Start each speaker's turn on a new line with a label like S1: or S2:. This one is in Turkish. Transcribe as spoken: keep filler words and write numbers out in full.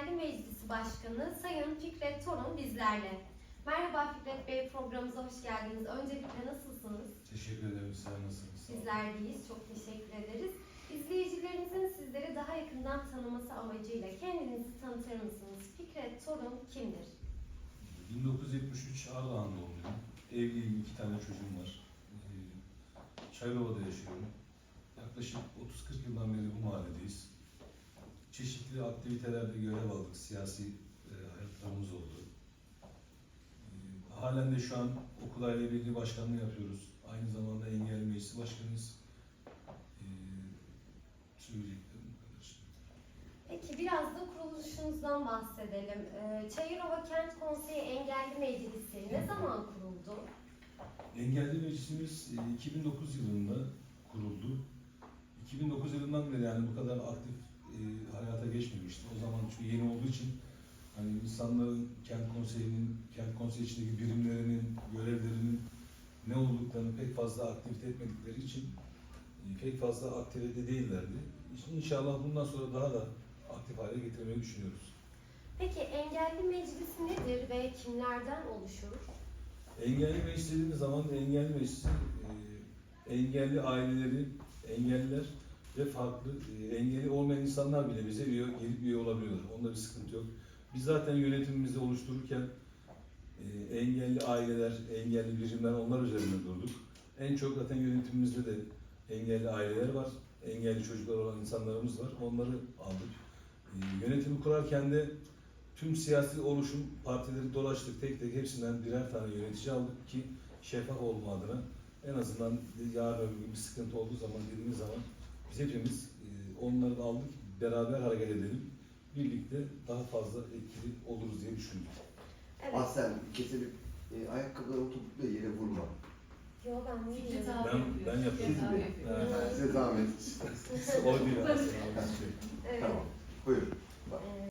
S1: Engelli Meclisi Başkanı Sayın Fikret Torun bizlerle. Merhaba Fikret Bey, programımıza hoş geldiniz. Öncelikle nasılsınız?
S2: Teşekkür ederim. Sen nasılsınız?
S1: Bizler deyiz. Çok teşekkür ederiz. İzleyicilerimizin sizleri daha yakından tanıması amacıyla kendinizi tanıtır mısınız? Fikret Torun kimdir?
S2: bin dokuz yüz yetmiş üç Ardahan doğumluyum. Evliyim, iki tane çocuğum var. Ee, Çayrova'da yaşıyorum. Yaklaşık otuz kırk yıldan beri bu mahalledeyiz. Çeşitli aktivitelerde görev aldık, siyasi e, hayatlarımız oldu. Ee, halen de şu an okul aile birliği başkanlığı yapıyoruz. Aynı zamanda engelli meclisi başkanıyız. Ee, söyleyeceklerim bu kadar.
S1: Peki biraz da kuruluşunuzdan bahsedelim. Ee, Çayırova Kent Konseyi Engelli Meclisi ne zaman kuruldu?
S2: Engelli Meclisimiz e, iki bin dokuz yılında kuruldu. iki bin dokuz yılından beri yani bu kadar aktif e, hayata geçmemişti. O zaman çünkü yeni olduğu için hani insanların kent konseyinin, kent konseyi içindeki birimlerinin, görevlerinin ne olduklarını pek fazla aktivite etmedikleri için e, pek fazla aktivite değillerdi. İnşallah bundan sonra daha da aktif hale getirmeyi düşünüyoruz.
S1: Peki engelli meclisi nedir ve kimlerden oluşur?
S2: Engelli meclis dediğimiz zaman engelli meclisi e, engelli aileleri, engelliler ve farklı e, engelli olmayan insanlar bile bize üye, gelip üye olabiliyorlar. Onda bir sıkıntı yok. Biz zaten yönetimimizi oluştururken e, engelli aileler, engelli birimler onlar üzerinde durduk. En çok zaten yönetimimizde de engelli aileler var, engelli çocuklar olan insanlarımız var. Onları aldık. E, yönetimi kurarken de tüm siyasi oluşum partileri dolaştık, tek tek hepsinden birer tane yönetici aldık ki şeffaf olma adına en azından yarın öbür gün bir sıkıntı olduğu zaman dediğimiz zaman biz hepimiz e, onları da aldık, beraber hareket edelim, birlikte daha fazla etkili oluruz diye düşündük.
S1: Evet.
S3: Aslen kesilip e, ayakkabıları oturdukları yere vurma.
S1: Yo ben değilim.
S4: Fikret abi
S2: Ben,
S4: yapıyor.
S2: ben yapıyorum.
S4: Fikret abi yapıyor.
S2: Evet.
S3: Yani size zahmet.
S2: O değil aslında.
S1: Evet.
S3: Tamam. Buyurun.
S1: Ee,